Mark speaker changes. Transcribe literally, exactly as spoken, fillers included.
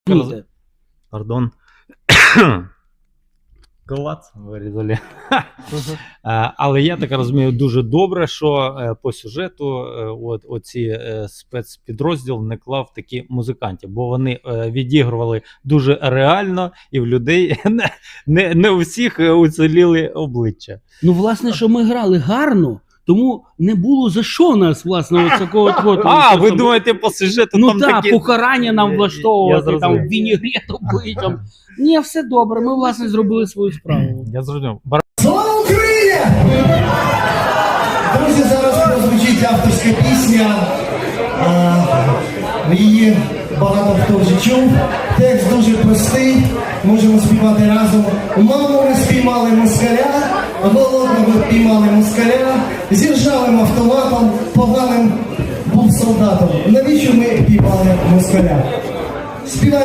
Speaker 1: Роз-
Speaker 2: Пардон. Клац, вирізали. Е, Але я так розумію дуже добре, що е, по сюжету е, от, оці е, спецпідрозділ не клав такі музикантів, бо вони е, відігрували дуже реально і в людей не, не, не у всіх е, уціліли обличчя.
Speaker 1: Ну, власне, що ми грали гарно, тому не було за що нас, власне, от такого от.
Speaker 2: А, ви думаєте, по сюжету
Speaker 1: ну
Speaker 2: там
Speaker 1: так,
Speaker 2: такі...
Speaker 1: покарання нам
Speaker 2: Я
Speaker 1: влаштовувати, там
Speaker 2: зрозумів.
Speaker 1: вінігрет обличчям. Ні, все добре, ми, власне, зробили свою справу.
Speaker 2: Я зрозумів.
Speaker 3: Слава Україні! Друзі, зараз прозвучить авторська пісня. А, її багато хто вже чув. Текст дуже простий, можемо співати разом. Маму ми спіймали москаля, голодного впіймали москаля, зі ржавим автоматом, поганим був солдатом. Навіщо ми піймали москаля? Співаємо.